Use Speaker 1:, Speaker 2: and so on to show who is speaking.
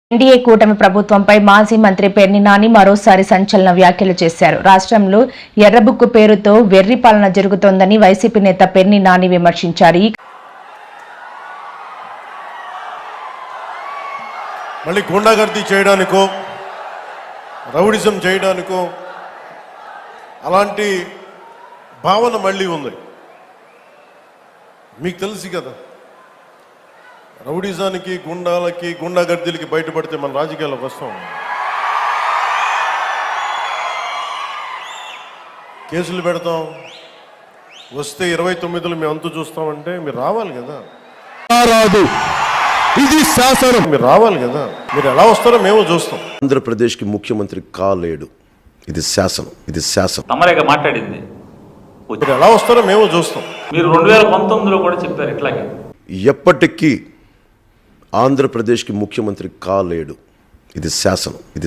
Speaker 1: NDA కూటమి ప్రభుత్వంపై మాజీ మంత్రి పేర్ని నాని మరోసారి సంచలన వ్యాఖ్యలు చేశారు. రాష్ట్రంలో ఎర్రబుక్కు పేరుతో వెర్రి పాలన జరుగుతోందని వైసీపీ నేత పేర్ని నాని విమర్శించారు.
Speaker 2: మళ్ళీ గుండాగర్దీ చేయడానికో రౌడిజం చేయడానికో అలాంటి భావన మళ్ళీ ఉంది. మీకు తెలుసు కదా, రౌడిజానికి గుండాలకి గుండాగర్దీలకి బయటపడితే మన రాజకీయాల్లోకి వస్తాం. కేసులు పెడతాం, వస్తే 29లో మేము అంతు చూస్తామంటే మీరు రావాలి కదా.
Speaker 3: రాదు, ఇది శాసనం.
Speaker 2: మీరు రావాలి కదా, మీరు ఎలా వస్తారో మేము చూస్తాం.
Speaker 3: ఆంధ్రప్రదేశ్కి ముఖ్యమంత్రి కాలేడు, ఇది శాసనం, ఇది శాసనం.
Speaker 4: తమరేగా మాట్లాడింది.
Speaker 2: మీరు ఎలా వస్తారో మేము చూస్తాం.
Speaker 4: మీరు 2019లో కూడా చెప్పారు ఇట్లాగే.
Speaker 3: ఎప్పటికీ ఆంధ్రప్రదేశ్కి ముఖ్యమంత్రి కాలేడు, ఇది శాసనం, ఇది